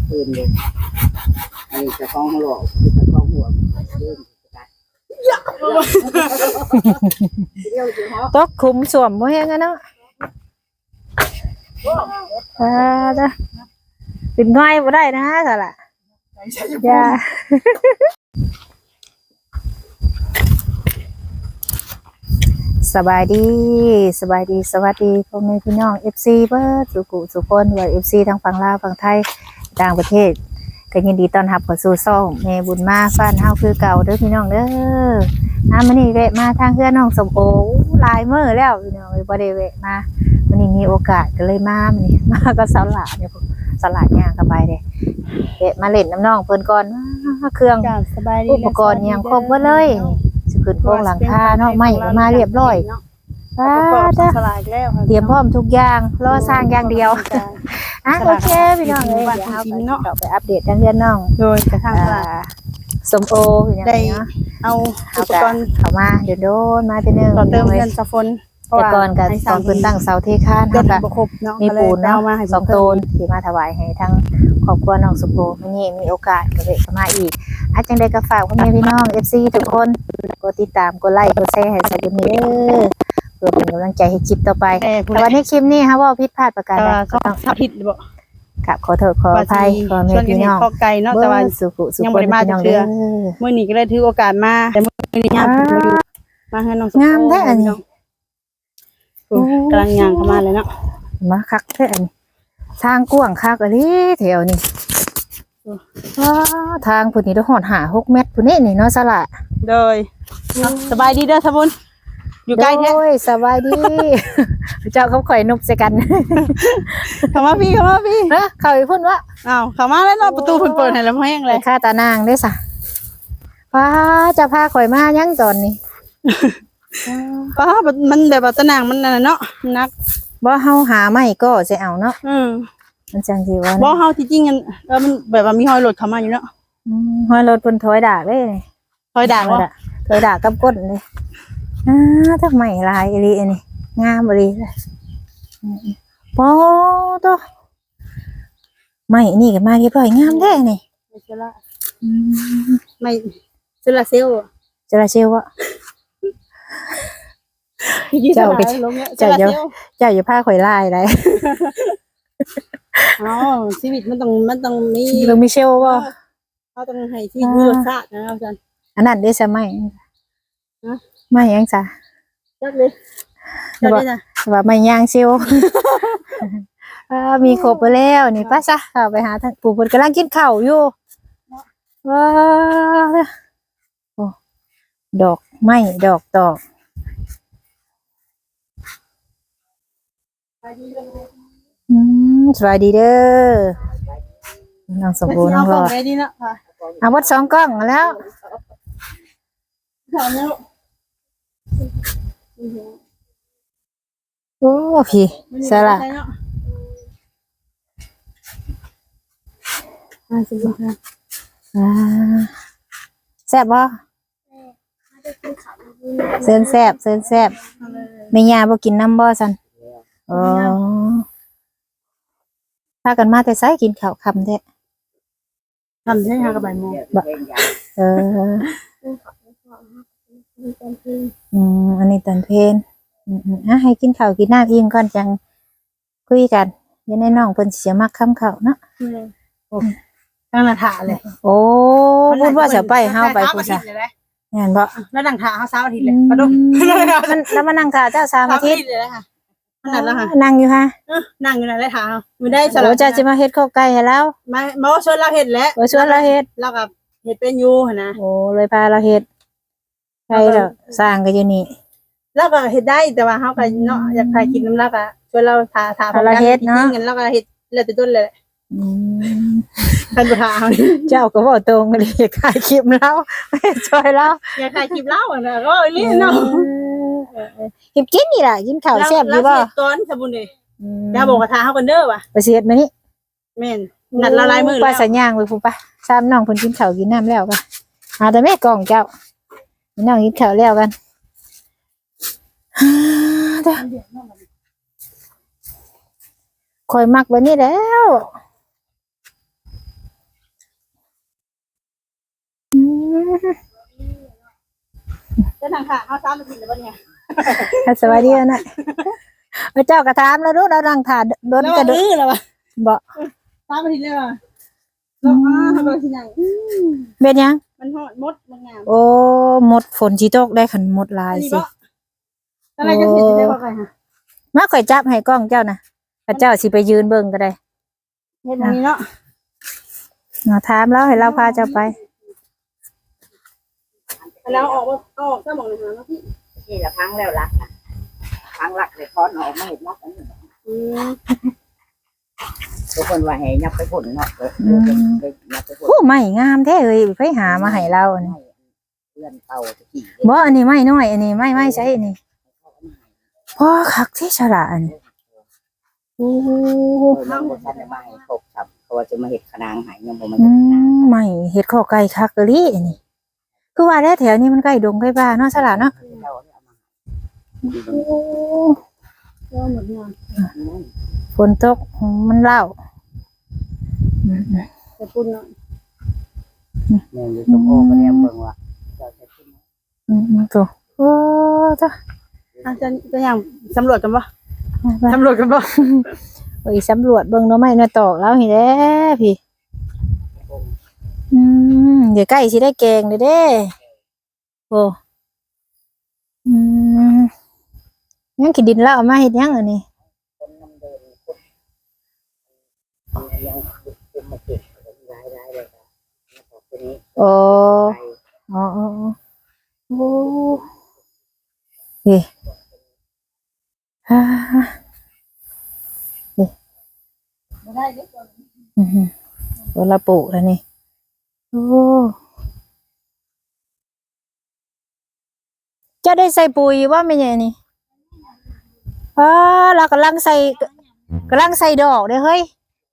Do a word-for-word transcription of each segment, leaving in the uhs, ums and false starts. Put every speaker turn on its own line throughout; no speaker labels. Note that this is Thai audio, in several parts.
อื่นเลยอันนี้จะฟ้องหลอกจะฟ้องหัวเริ่ม
ตกคุมสวมบ่แฮงอะเนาะอ่าจ้ะเป็นง่อยบ่ได้นะซะล่ะอย่าสบายดีสบายดีสวัสดีพ่อแม่พี่น้อง เอฟ ซี เบิดสุขุสุคนว่า เอฟ ซี ทั้งฝั่งลาวฝั่งไทยต่างประเทศก็ยินดีต้อนรับเข้าสู่ช่องแม่บุญมาฟ้านเฮาคือเก่าเด้อพี่น้องเด้ออ่ามื้อนี้แวะมาทางเฮือนน้องสมโอหลายมื้อแล้วพี่น้องบ่ได้แวะมามื้อนี้มีโอกาสก็เลยมามื้อนี้มาก็สลาเนี่ยสลาย่างเข้าไปเด้แวะมาเล่นน้ำน้องเพิ่นก่อนเครื่องอุปกรณ์ยังครบหมดเลยสิขึ้นโครงหลังคาเนาะไม้ก็มาเรียบร้อยอ่าจ้ะเตรียมพร้อมทุกอย่างรอสร้างอย่างเดียวอ่ะโอเคพี่น้องเอ้ยเดี๋ยวเราไปอัปเดตทางเรือนน้อง
โดยกระทั่งว่า
สมโอพี่น้องเนาะ
เอาอุปกรณ์
เข้ามาเดี๋ยวโดนมาทีนึง
ต่อเติมเงินสะฟน
แต่ก่อนกับตอนเพิ่นตั้งเสาเทคานเฮาก็มีปูนเนาะสองต้นที่มาถวายให้ทั้งครอบครัวน้องสมโอมื้อนี้มีโอกาสก็เลยมาอีกอาจังได๋ก็ฝากพ่อแม่พี่น้อง เอฟ ซี ทุกคนกดติดตามกดไลค์กดแชร์ให้สักนิดเด้อเพื่อเป็นกำลังใจให้คลิปต่อไปแต่วันนี้คลิปนี้ฮะว่าผิดพลาดประการใด
ก็ต้องผิดบ่
ครับขอโทษขออภัยขอแม่พี่น้อง
ไก่เนาะแต่ว่า
สุขุสุข
ยังบ่ได้มาจักเทื่อมื้อนี้ก็เลยถือโอกาสมาแต่มื้อนี้ครับมาให้น้อง
งามแท้อันนี้
กำลังย่างเข้ามาเลยเนาะ
มาคักแท้อันนี้ทางกว้างคักอันนี้แถวนี้ว้าทางพุ่นนี่ต้องหอดหาหกเมตรพุ่นนี่นี่เนาะสละ
โดยสบายดีเด้อสมุนอยู่ใกล้แท้
โอ้ยสบายดีเจ้าเขาข่อยนบใส่กัน
เข้ามาพี่เข้ามาพี่
เนาะเขาอีกพุ่นวะ
อ้าวเข้ามาแล้วเนาะประตูเพิ่นเปิดให้แล้วแห้งเลย
ค่าตานางได้ซะว้าจะพาข่อยมายังตอนนี้
ป้ามันแบบว่าตะนางมันนั่นเนาะนัก
บ่เฮาหาไม่ก็จะเอาเนาะ
อืม
มันจังสิว่า
บ่เฮาที่จริงกันเออมันแบบว่ามีหอยรถเข้ามาอยู่เนาะ
อืมหอยรถเพิ่นถอยดากเด้
ถอยดากบ่
ถอยดากกับก้นเลยอ่าทำไมลายอีหลีอันนี้งามอีหลีเลยโอ้โตไม่นี่ก็มาเรียบร้อยงามแท้นี่
ไม่ใช่ละอืมไม่เซลาเซล
จราเซลวะเจ้าเจ้าเจ้าเจ้าอย่าพาข่อยลายได้
อ๋อชีวิตมันต้องมันต้องมี
ต้องมีเชลบ่
เขาต้องให้ชีวิตมีรสชาตินะอาจารย์
อันนั้นได้ซะไหมไม่ยังจ้ะ
จักเลยจักเลยจ้ะ
ว่าไม่ย่างเชลมีครบไปแล้วนี่ป้าซะไปหาท่านปู่เพิ่นกำลังกินข้าวอยู่ว้าโอ้ดอกไม้ดอกตอกอืมสวัสดีเด้อน้องสมบูรณ์น้องรอดเอาวัดสองกล้องแล้วโอ้พี่สละแซ่บบ่เซินแซ่บเซินแซ่บไม่ยาบ่กินน้ำบ่สันอ๋อพากันมาแต่ไสกินข้าวค่ำแท้
ค่ำใช่ค่ะกับบ่ายโมง
เอออืมอันนี้ตอนเพลนอืมอ่ะให้กินข้าวกินน้ำอิ่มก่อนจังคุยกันอยังในน้องเพิ่นสิมักคำข้าวเนาะ
โอ้ตั้งละถาเลย
โอ้พูดว่าจะไปเฮาไปพูดซะแม่นบ่
แล้วนั่งถาเฮาเช้าอาทิตย์เลยปะดุ
มันแล้วมานั่งถาเจ้าสามอาทิตย์
เลยค่ะนั่นแล้วค่ะ
นั่งอยู่ฮะ
นั่งอยู่นั่นเลยถามื้อได้
สลับเจ้าสิมาเฮ็ดข้าวไก่ให้แล้ว
มาบ่ชวนเราเฮ็ดแล้ว
บ่ชวนเราเฮ็ด
เราก็เฮ็ดเป็นอยู่หั่นนะ
โอ้เลยพาเราเฮ็ดใช่แล้วสร้างก็อยู่นี่
แล้วก็เฮ็ดได้แต่ว่าเฮาก็เนาะอยากถ่ายคลิปนำเราก็ชวนเราถาถา
เราเฮ็ดเนาะ
งั้นเราก็เฮ็ดแล้วแต่ต้นเลยอืมท่านบ่ถา
เจ้าก็บ่ตรงเลยอยากถ่ายคลิปแล้วช่วยแล้ว
อยากถ่ายคลิปแล้วน่ะก็อีหลีเนาะ
เฮ็ดกินนี่ล่ะกินข้าวแซ่บอยู่บ่
ตอนสบุญเด้อย่าบอกว่าถาเฮากันเด้อว่ะ
ไปสิเฮ็ดมื้อนี้
แม่นนัดละลายมื้อแล้ว
ไปสัญญางไว้พุ่นป่ะซ้ำน้องเพิ่นกินข้าวกินน้ำแล้วป่ะหาแต่แม่กล่องเจ้าน้องกินข้าวแล้วกันคอยมักแบบนี้แล้ว
จะทางค่ะเฮาซ้ำไปกินแล้วบ่เนี่ย
สวัสดีนะพระเจ้ากระถามแล้วรู้เรานั่งถ่าโดน
แล้ว
กระ
ดื้
ดู
อแล้วว่ะ
บ่
ซ้ำไปกินเลยว่ะแล้วอ่าทำอะไรสิหยัง
เป็นยัง
มันฮอดมดมันงาม
โอ้หมดฝนสิตกได้ขันหมดลา
อั
ย
นนี้
สิ
บ่อะไรจะเสร็จได้บ่ใครฮะ
มาข่อยจับให้กล้องเจ้านะพระเจ้าสิไปยืนเบิ่งก็ได้
เฮ็ดแบบนี้เนาะ
มาถามแล้วให้เราพาเจ้าไป
แล้วออกบ่เอาออกซะหมองเลยนะพี่
นี่ละพังแล้วรักพังรักเลยพอนออกมาเห็นรักอันนี้
อืม
ทุกคนว่าให้ยับไปผลเนาะเลยยับไปผล
โอ้ไม่งามแท้เอ้ยไปหามาให้เราอันนี้
เพื่อนเต่าตะกี้
บ่อันนี้ไม่น้อยอันนี้ไม่ไม่ใช่อันนี้พ่อคักที่ฉลาดอันนี้โอ้
เรื่องบทสันมาให้ครบครับเขาว่าจะมาเห็ดขนางหายยังบ่มา
อื
เห็ดขนาง
มไม่เฮ็ดข้อไก่คักกะลีอันนี้คือว่าแล้วแถวนี้มันใกล้ดงใกล้บ้านเนาะฉลาดเนาะโอ้
ก็หมดงาน
ฝนตกมันเล่าอืม
แต่ปุ่นเนาะ
แม่อยู่ตรงโอ้ก็แนมเบิ่งว่าเจ้าจะขึ้น
อืมอืมตัวโอ้จ้ะ
อาจะจะอย่างสำรวจกันบ่
ไป
สำรวจกันบ่
ไปสำรวจเบิ่งหน่อไม้หน่อตอกแล้วเห็นแล้พี่อืมเดี๋ยวใกล้สิได้แกงเด้อเด้โอ้อืมยังกินดินแล้วเอามาเฮ็ดยังอันนี้
คนน้ำเดินคนยังเป็นมาเก็บรายรายเลยครับทีนี้
โอ้อ๋ออ๋ออ๋อโอ้เฮ้ฮ่า
บ่ได้เด้อ
อือหือตัวละปลูกแล้วนี่โอ้จะได้ใส่ปุ๋ยว่าไม่ใช่นี่อ๋อเรากำลังใส่กำลังใส่ดอกเด้อเฮ้ย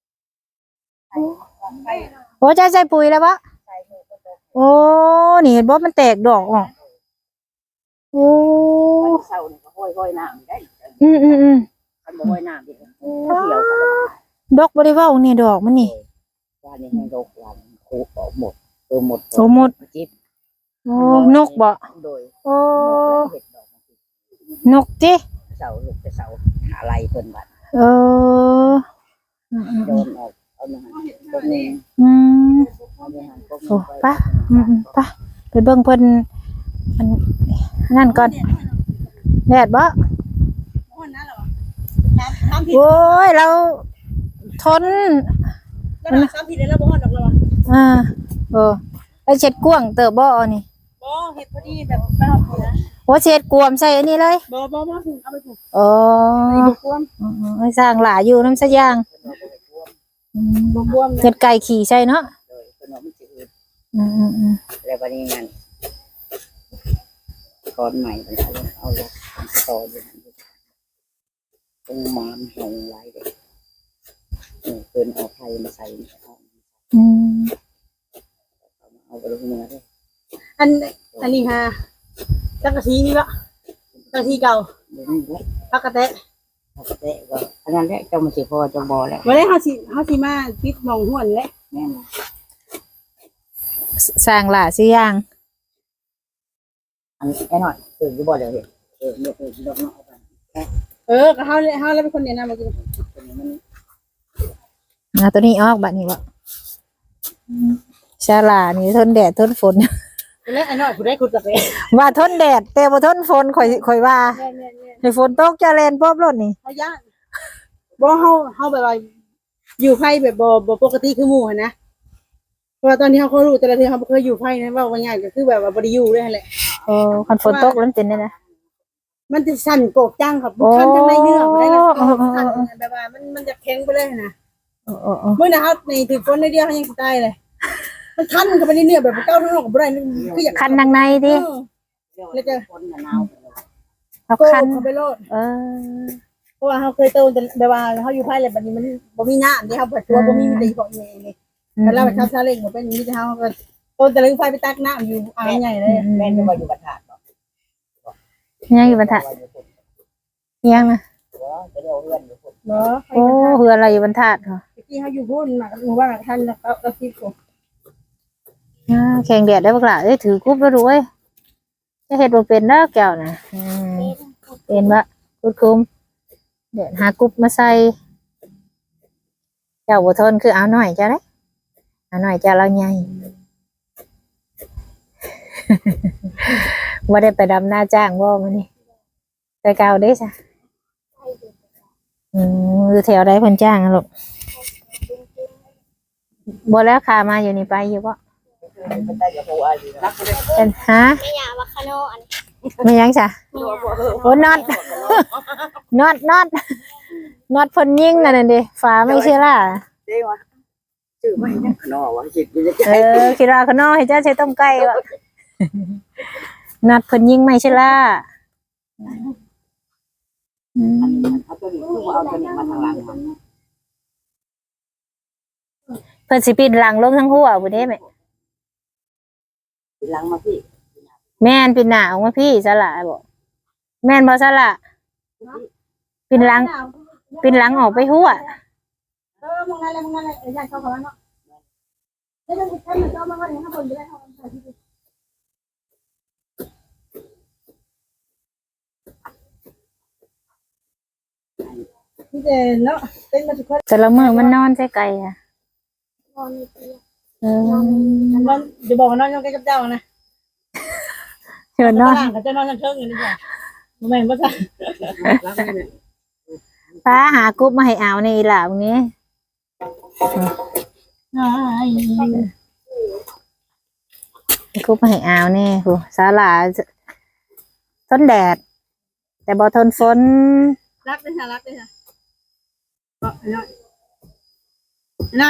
โอ้จะใส่ปุ๋ยแล้วปะโอ้นี่เห็นบ่มันแตกดอกออกโอ้
เศร้าเนี่ยก็ห้อยห้อยน้ำได้
อืมอืมอืม
คันบ่ห้อยน้ำดิเกี่ยว
ดอกบริว่านี่ดอกมันนี่
ว่านี่ให้ดอกวันคูออกหมดเออหมด
โอ้หมด
จิ๊บ
โอ้นกบ่
โดย
โอ้
เห็ดดอก
นกจิ
เสาลูกไปเสาอะไรเพิ่นบัด
เอออืมอืม
โดนออกเอาเนื้อหันพวกนี้
อืม
เอาเนื้อหันพวก
โอ้
นี้
ปะอืมอืมปะไปเบิ่งเพิ่นอันนั่นก่อนแดดบ่
บ่นั่นหรอน้ำน้ำผิด
โอ้ยเราทน
แล้วน้ำผิดแล้วบ่ฮอดดอกแล้วว่ะ
อ่าเออไปเช็ดกวางเติบบ่อันนี่
บ่เฮ็ดพอดีแบบไปฮอดพุ่นนะ
โอ้เช็ดกวมใส่อันนี้เลย
บ่บ่บ่เอาไปปลูก
อ๋อ
ไอ้บ่กวม
อืมๆให้สร้างหลาอยู่น้ำสะยางอืม
บ่กวม
เฮ็ดไก่ขี่ใช่เนาะ
โดยเพิ่นเอามันสิอืด
อืมอืมอืม
แล้วบัดนี้งั้นก้อนใหม่มันเอาเอาลงต่ออยู่นั่นตรงมอนลงหลายเด้เออเพิ่นเอาไผมาใส่เอา
อืม
เอาไปลงเนื้อเด้
อันอันนี้ฮะจักกะทีนี่บ่จักกะทีเก่า
เดี๋ยวนี้แหละ
พักกะแตะ
ปกติก็อันนั้นแหละเจ้ามันสิพอเจ้าบ่แล้ว
บ่ได้เฮาสิเฮาสิมาปิดหม่องห้วนแหละ
แม่น
สร้างหลาสิยาง
อันไอ้หน่อยคือสิบ่เดี๋ยวเฮ็ดเออเลือกเลือกเลือกเนาะเอาไป
เออก็เฮาเฮาแล้วเป็นคนแนะนำมากิน
ตัวนี้มัน
เอาตัวนี้ออกบัดนี้บ่อืมชาลานี่ทนแดดทนฝน
แล้วไอ้น้อยผู้ใดขุดกาแฟ
ว่าทนแดดแต่บ่ทนฝนข่อยข่อยว่า
แม่ๆ
ให้ฝนตกจะแล่นป๊อบรถนี่
ๆเฮาย่านบ่เฮาเฮาแบบว่าอยู่ไผแบบบ่บ่ปกติคือหมู่หั่นนะเพราะว่าตอนที่เฮาเขารู้แต่ละเทื่อเฮาบ่เคยอยู่ไผนะเว้าว่าง่ายก็คือแบบว่าบ่ได้อยู่เลยหั่นแหละ
เออคันฝนตกแล้วมันเป็นได้นะ
มันจะสั่นโกกจังครับคันทางในเนื้อบ่ได้ละสั่นแบบว่ามันมันจะแข็งไปเลยนะ
โอ้โอ้โอ้
มื้อนะเฮาในถือฝนในเดียวเฮายังสิตายเลยมันคันเข้าไปในเนื้อแบบเก้าทั้งนอกบ่ได้คืออยาก
คันทางในดิ
แล้วจะคนหนาว
เอา
โก
คัน
เข้าไปโลด
เออ
เพราะว่าเฮาเคยโตแต่แบบว่าเฮาอยู่ไผแล้วบัดนี้มันบ่มีน้ำที่เฮาเปิดตัวบ่มีมีแต่บอกนี่นี่แต่เราไปทำซาเล้งบ่เป็นมีแต่เฮาก็โตแต่ลึงไฟไปตักน้ำอยู่อ่างใหญ่เลย
แม่นจะมาอยู่บรรทัดเนาะ
ยังอยู่บรรทัดยังนะ
จะเรียกเพื่อนอยู่คน
เนาะ
โอ้เฮืออะไรอยู่บรรทัดเหรอ
ที่เฮาอยู่พุ่นน่ะหมู่บ้านท่านแล้วก็คิดกู
อ่าแข่งแดดได้บักล่ะเอ้ยถือกุ๊บแล้วดูเว้ยจะเฮ็ดบ่เป็นเด้อแก้วน่ะอืมเป็นบ่กุดคุมเดี๋ยวหากุ๊บมาใส่เจ้าบ่ทนคือเอาหน่อยจ้ะเด้เอาหน่อยจ้ะเราใหญ่ บ่ได้ไปดำนาจ้างบ่มื้อนี้ไปเก่าเด้จ้ะอืมอยู่แถวใดเพิ่นจ้างอะลูกบ่แล้วขามาอยู่นี่ไปอยู่บ่
เป็นได้กับหัวอยู่นะ
เป็นฮะ
ไม่อยากว่าคาโนอัน
ไม่ยังจ้ะ
ไม่อยากว่า
โอ้น็อตน็อตน็อตน็อตเพิ่นยิงนั่นน่ะดิฝาไม่เชื่อล่ะ
เด้วะชื่อไม่เนี่ยขนอวะจิตอยู่จะ
เออคิดว่าข้างนอกให้เจ้าใช้ต้มไก่วะน็อตเพิ่นยิงไม่เชื่อล่ะอืม
เอาตัวนี้คือเอาตัวนี้มาทางหลังมัน
เพิ่นสิปิดหลังลงทั้งหัวบ่ได้แม่
หลังมาพี่
แม่นปิดหน้าออกมาพี่สละบ่แม่นบ่สละปิดหลังปิดหลังออกไปหัว
เออมึงนั่นแหละมึงนั่นแหละอยากเข้ากับมันเนาะแล้วมันให้มันเข้ามาว่าอย่างข้างบนจะได้เข้ากันที่นี่เจนแล้วเป็นมาทุกคน
แต่ละมื้อมันนอนใส่ไก่อ่ะ
นอนอยู่ที่
เออ
นอนเดี๋ยวบอกว่านอนยังใกล้กับเจ้านะ
เชิญนอน
กับเจ้านอนยังเชิงอยู่นี่จ้ะแม่งก็จะ
ป้าหากรุ๊ปมาให้เอาในอีหล่าตรงนี้ กรุ๊ปมาให้เอานี่โหสาหร่าทนแดด แต่บ่ทนฝน
รักเลยค่ะรักเลยค่ะก็น้อยน้อย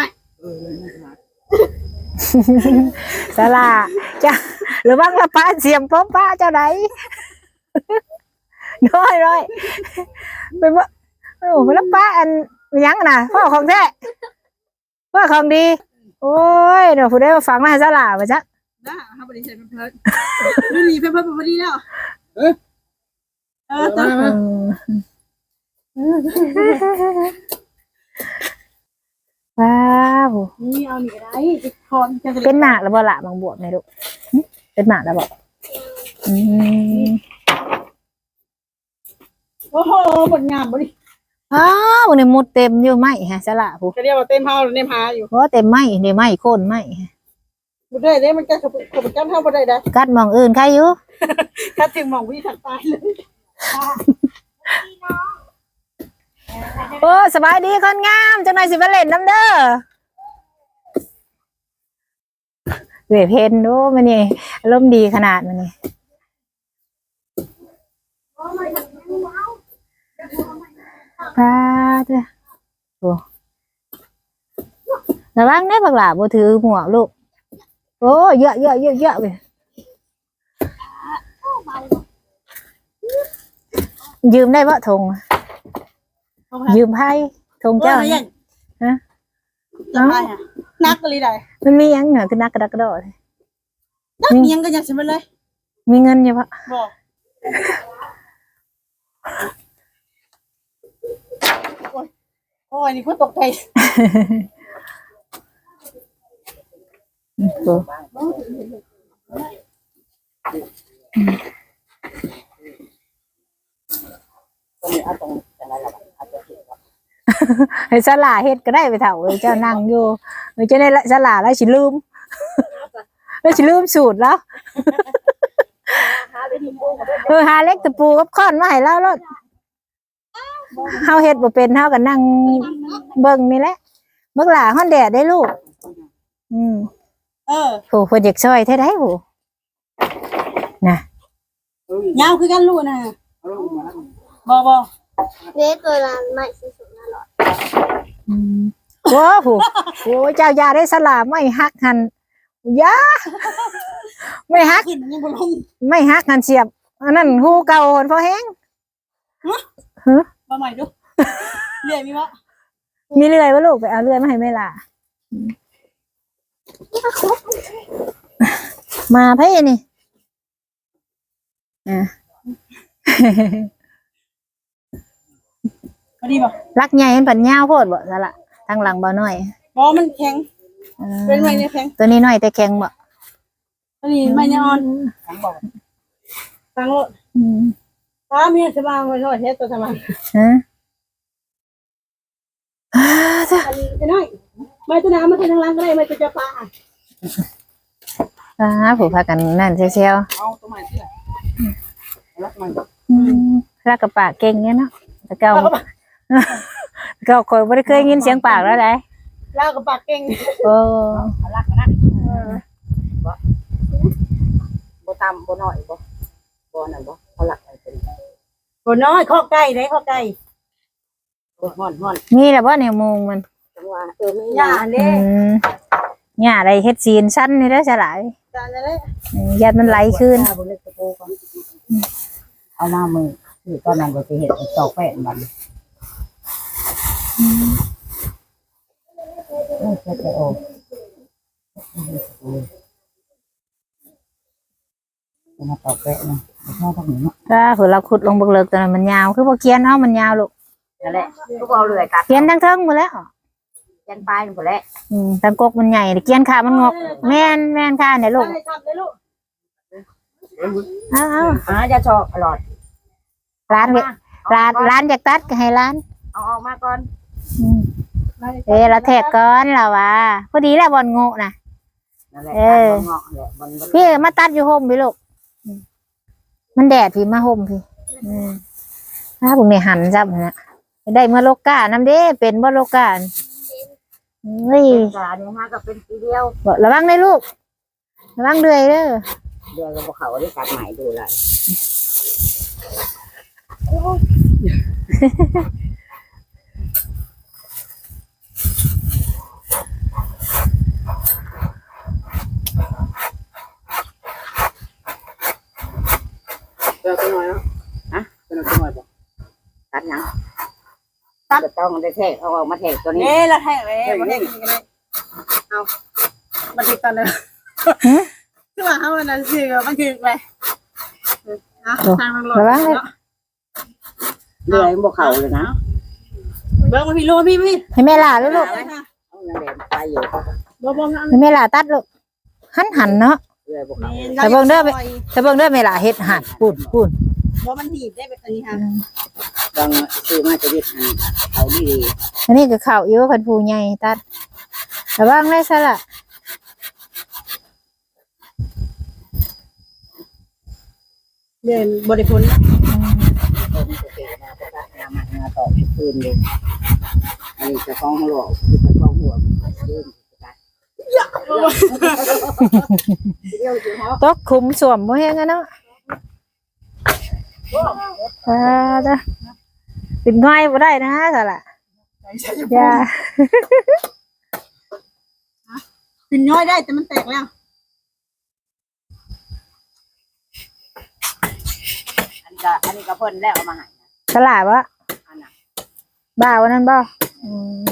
สาหร่าจ้ะหรือว่าละป้าเสียมป้อมป้าเจ้าไหน น้อยน้อยเป็นว่าโอ้เป็นละป้าอันยังน่ะพ่อของแท้พ่อของดี โอ้ยเดี๋ยวผู้ได้มาฟังมาให้สาหร่าไปจ้ะ
นะฮะบริษัทเพิ่มรุ่นนี้เพิ่มเพิ่มพอดีแล้วเออเออตัว
ว้าว
นี่เอาหนีได้ติดคอนจะ
เป็นหมากแล้วบ่ละบางบวบไหมลูกหึเป็นหมากแล้วบ่อืม
โอ้โหบทงามบริ
อ้าวเนี่ยมุดเต็มอยู่ไหมฮะสละผู้
จะเรียกว่าเต็มเฮาหรือเต็มหาอยู่
เพราะเต็มไหมเดี๋ยวไหมโค่นไหม
บุได้ได้มันจะขบขบกันเท่าบุได้ได้
กัดหมองอื่นใครอยู่
ถ้าถึงมองวิถัดตายเลย
โอ้สบายดีคนงามจังหน่อยสิมาเล่นน้ำเด้อเวเพนดูมันนี่อารมณ์ดีขนาดมันนี่พาเด้อโอ้ระวังได้บักหลาบ่ถือหมวกลูกโอ้เยอะเยอะเยอะเยอะเลยยืมได้ปะธงยืมไพ่ธงเจ้าเนี่ยฮะ
จะพายอ่ะนักเลยได้
มันมีหยังเหนือคือนักกระดักกระโดด
นักยังก็อยากจะไปเลย
มีเงินอยู่ปะ
บอกโอ้ยนี่คุณตกใจ
โอ้
ก็มีเอาตรงอะไรล่ะอาจจะเห็นว่า
ให้สลาเฮ็ดก็ได้ไปเถ่าเอ้ยเจ้านั่งอยู่เอ้ยเจ้าได้สลาแล้วสิลืมแล้วสิลืมสูตรแล้วเออหาเล็กตะปูกับค้อนมาให้เราแล้วเฮาเฮ็ดบ่เป็นเฮาก็นั่งเบิ่งนี่แหละเบิ่งหลาฮ้อนแดดได้ลูกอืม
เออ
โหเพิ่นอยากช่วยแท้ได้โหน่ะ
ยาวคือกันรู้นะ
เอาลงมา
บอบอ
เด็กตัวนั้นไม่สุดๆนะหรอ
อืมโอ้โหโอ้เจ้าอย่าได้สลาไม่ฮักหันอย่าไม่ฮัก
ขึ้นยังบนลง
ไม่ฮักหันเสียบอันนั้นหูเก่าหนพอแห้ง
มาใหม่ดูเรียกมีวะ
มีเลื่อยวะลูกไปเอาเลื่อยมาให้แม่ล่ะมาเพ่นี่อ่ะ
พอดีป่ะ
รักใหญ่เห็นปัญญาโพดบ่ซะละทางหลังบ่น้อย
บอมันแข็ง
เออ
เป็นไงเนี่ยแข็ง
ตัวนี้น้อยแต่แข็งบ่
อันนี้ไม่ยอน
ทั้งบอก
ตังรถ
อืม
ตามีสบายไว้หน่อยเฮ็ดตัวทำไม
ฮะอ่าจ้ะ
อันนี้จะน้อยไม่ตัวน้ำมันตัวทางล่างก็ได้ไม่ตัวจะปลา
อ่าผู้พากันนั่นเชียว
เอาตัวใหม่ที่ไหนรักมัน
ๆอืมรักกับปากเก่งเนี่ยเนาะแต่เก่าเก่าคอยไม่ได้เคยยินเสียงปากแล้วได้
เล่ากับปากเก่ง
โอ้
รักนะบ่บ่ตามบ่น้อยบ่บ่นั่นบ่เขาหลักอะไรเป็น
ตัวน้อยข้อไก่ได้ข้อไก่
บ่ฮ้อนฮ้อน
มีแล้วว่าเนี่ยโมงมัน
จังว่าเออมี
หญ้า
อื
เด้
มหญ้าอะไรเฮ็ดซีนสั้นนี่ได้อฉลาย
จานอะไร
อืมยัดมันไหลขึ้น
บ่เล็กตะโกก่อนเอามามือคือตอนนั้นก็สิเฮ็ดตอกแป้นมันเออจะโอ้มาตอกแป้นนะข้าวทางนี้
ถ้าเผื่อเราขุดลงเบิกเลิกตอนนั้นมันยาวคือพอเกียนเฮามันยาวลูก
นั่นแหละก็เอาเลยกัด
เกียนทั้งเทิงหมดแล้ว
ยันปลายหมดแล้ว
อืมทั้งกกมันใหญ่เกียนขามันงอกแม่นแม่นค่ะเนี่ยลูก
ให้ทำเลยลูก
เอาเอา
อ่าจะชอบอร่อย
ร้านเวร้านร้านอยากตัดก็ให้ร้าน
เอาออกมาก่อน
อืมเอ้เราแทกก่อนล่ะว่าพอดีแล้วบอลโง่น่ะ
นั่นแหละงอกแหละมัน
พี่มาตัดอยู่ห่มพี่ลูกอืมมันแดดพี่มาห่มพี่อืมถ้าผมเนี่ยหันจับนะได้เมื่อโลกาน้ำเด้เป็นบ่โลกาเฮ้ย
จานนี้ฮะก็เป็นทีเดียว
บอกระวังเลยลูกระวังเดือยเด้อ
เดือนกับเขาได้ตัดใหม่ดูเลยเดือนตัวน้อยเนาะฮะเดือนตัวน้อยป่ะตัดยังตัดต้องได้แทกเอาออกมาแทกตัวนี้
เน่ละแท้เลยมาแท้กันเลยเอามาติดตอนเลยคือว่าเขามันนั่นสิมันคืออะไรอ่ะทางลง
ระวังเลย
เดือนบวเขาเลยนะ
เบิ้งมาพี่ลูกพี่พี่
ให้แม่ล่าลูกลูก
เอานั่นแหละไปอยู่
บ่บ่นะ
ให้แม่ล่าตัดลูกหันหันเนาะ
เดือนบวเขา
แต่เบิ่งเด้อ แต่เบิ่งเด้อแม่ล่าเฮ็ดหันปุ่นปุ่น
บ่มันหีบได้แบบนี้ค่ะ
บางซื้อมาจะเรียกเขาดี
อันนี้ก็เข่าอยู่คันผู้ใหญ่ตัดระวังเลยซะล่ะ
เดินบริพล
ผมจะเกิดมาประกาศงานมาต่อคืนเลยอันนี้จะฟ้องหัวคือจะฟ้องหัวเริ่มประกาศเดี๋ยวจะฮอ
ตกคุมสวมบ่แฮงอะเนาะอ่าจ้ะเป็นง่อยบ่ได้นะซะล่ะอย่า
ปิ่นน้อยได้แต่มันแตกแล้ว
อันนี้ก็อันนี้ก็เพิ่นแล้วเอามาให้
ฉลาดวะ
อันน่ะ
บ้าวันนั้นบ่อืม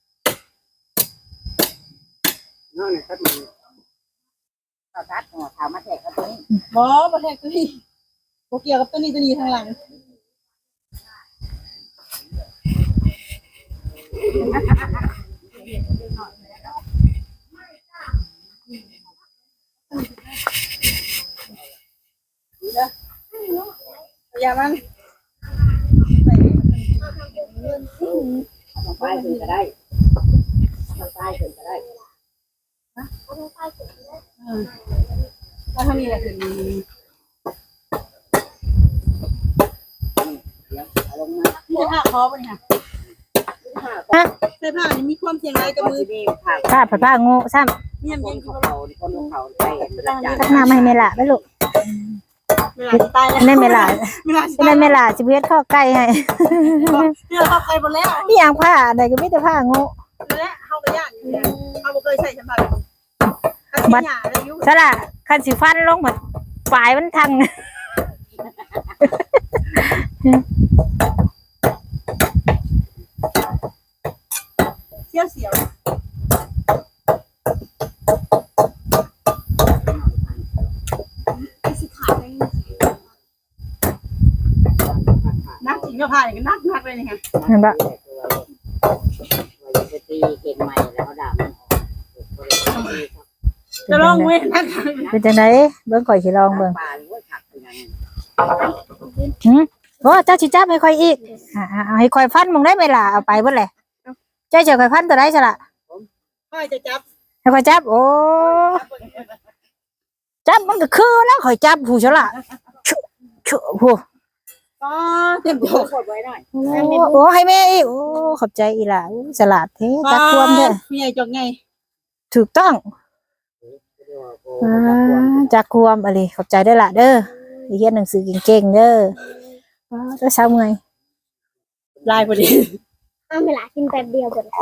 น้องเนี่ยตัดมันตัดตัดหัวขาวมาแทกกับตัวนี้
บ่บ่แทกตัวนี้บ่เกี่ยวกับตัวนี้ตัวนี้ทางหลังอย่ามัน
เอาไปถึงก็ได้เอาไปถึงก็ได้
ถ้าเท่านี้แหละคือ
เดี๋ยวเอาลงมา
นี่จะผ้าคอป่ะเนี่ย
ฮะ
เสื้อผ้านี่มีความเสี่ยงอะไรกับ
ก็
มือ
จะมีผัก
ผ้าผ้าผ้าโง่ซ้ำ
เนี่ย
ค
เย็
น
น
เขา
เขา
เขาคนเขาไปรับจ้าง
ทักน้ำให้แม่ล่ะไปลูก
เวลาตายแล้ว
ได้แม่ล่ะ
เวลา
ได้แม่ล่ะสิเฮ็ดข้อไก่ให้
เนี่ยเขาไปหมดแล้ว
มีหยังผ้าใดก็มีแต่ผ้าโง่
และเขาก็ยากอยู่แล้วเขาบ่เคยใส่ฉันแบบบัดหยาอายุ
ซะล่ะคันสิฟันลงหมดปลายมันทัง
เสียวเสียวสิขาดเลยนักจริงก็พาอย่างนักนักเลยเนี่ย
เห็นปะ
ว่าจะตีเก่งใหม่แล้วด่ามันออก
จะลองเว้ยนะ
เป็นจังไดเบิ่งข่อยสิลองเบิ่ง
ปลาหรือว่าขักเป็นยัง
หืมโอ้เจ้าสิจับให้ข่อยอีกอ่าเอาให้ข่อยฟันมึงได้ไหมล่ะเอาไปเบิดแหละเจ้าจะข่อยฟันตัวใดซะล่ะ
ค่อยจะจับ
ให้ข่อยจับโอ้จับมันก็คือแล้วข่อยจับผู้ซะล่ะชุชุผู้
อ๋อเต็มตัวกดไว้หน่อย
โอ้โอ้ให้แม่อีกโอ้ขอบใจอีหล่ะอู้ฉลาดแท้จักความเด้อ
พี่ใหญ่จงไง
ถูกต้องอ่าจักความอะไรขอบใจได้อล่ะเด้อเรียนหนังสือเก่งๆเด้อว้าวเจ้าสาวเมื่อย
ลายพอดี
เอาเวลากินแป๊บเดียวหมดแล้ว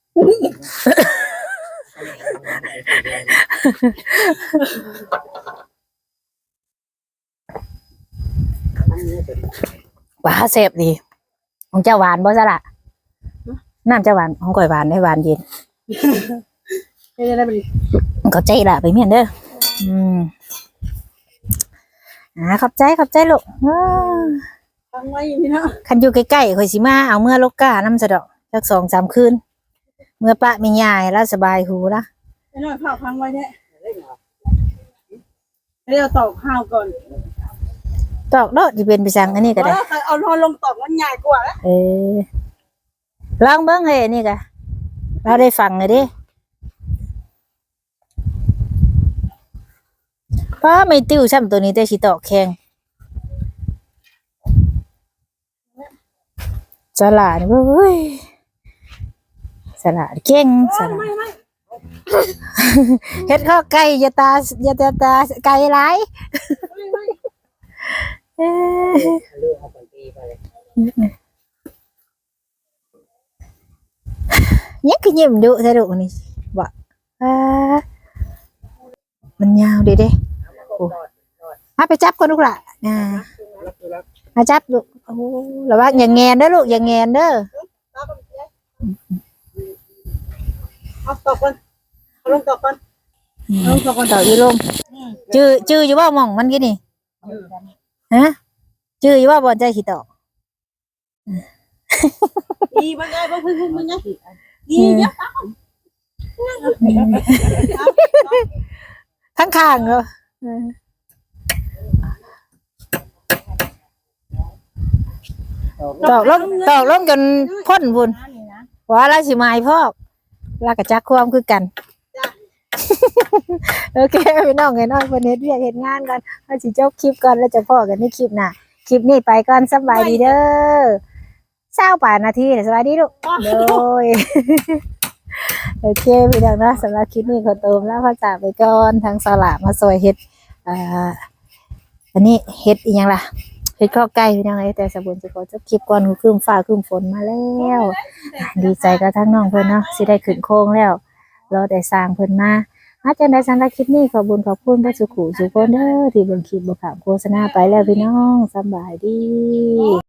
ว้าเสพดีของเจ้าหวานบ่ซะล่ะน้ำเจ้าหวานของข่อยหวานได้หวานเย็น
ไม่ได้พอดี
ขอบใจล่ะไปเมียนเด้ออืมอ่าขอบใจขอบใจลูกว้า
ฟังไว้พี่เนาะ
คันอยู่ใกล้ๆข่อยสิมาเอาเมื่อลกกาน้ำสะดอกสักสองสามคืนเมื่อปะมียายแล้วสบายหูละ
ไอ้น้อยข้าวฟังไว้เนี่ยเดี๋ยวตอกข้าวก่อน
ตอกโดดที่เป็นไปสั่งอันนี้ก็ได้
เอานอนลงตอกมันใหญ่กว่าแล้ว
เออลองเบิ้งให้อันนี่กะเราได้ฟังเลยดิป้าไม่ติ้วช่ำตัวนี้แต่สิตอกแข็งสลัดเว้ยสลัดเก่งสลัด
ไม่ไม่
เฮ็ดข้าวไก่อย่าตาอย่าตาตาไก่หลาย
ไม่ไม่
เอ้ย
เรื่องเอาไปตีไปเลย
ยังคือยิ้มดุแท้ดุนี่บ่อ่ามันยาวดิเด้โอ้มาไปจับก่อนลูกล่ะอ่ามาจับลูกโอ้ระวังอย่าแงนเด้อลูกอย่าแงนเด้อ
เอาตอกก่อนเอาลงตอกก่อนเอาลงตอกก่อน
ต่ออยู่ลมจื้อจื้ออยู่บ่หม่องมันกี่นี่ฮะจื้ออยู่บ่บ่ใจสิตอก
ดีมันไงบ้างพึ่งพึ่งมันไงดีเยอะ
ทั้งข้างเนาะตอกลงตอกลงจนพ่นพุ่นว่าแล้วสิมาให้พ่อลากระจักความคือกัน โอเคพี่น้องไงน้องคนเฮ็ดเวียกเฮ็ดงานกันเอาสิจบคลิปก่อนแล้วจะพ่อกันในคลิปหน้าคลิปนี้ไปก่อนสบายดีเด้อเศร้าป่านาทีสบายดีลูกโดย โอเคพี่น้องเนาะสำหรับคลิปนี้ขอตัวแล้วพอจากไปก่อนทางสลากมาซอยเฮ็ดอ่าอันนี้เฮ็ดอีหยังล่ะเฮ็ดข้าวไก่พี่น้องเอ้ยแต่สบุญจะขอจบคลิปก่อนคือคืมฟ้าคืมฝนมาแล้วดีใจกับทั้งน้องเพิ่นเนาะสิได้ขึ้นโค้งแล้วรอแต่สร้างเพิ่นมาอาจารย์ได้สำหรับคลิปนี้ขอบุญขอบคุณพระสุขุสุขคนเด้อที่เบิ่งคลิปบ่ขามโฆษณาไปแล้วพี่น้องสบายดี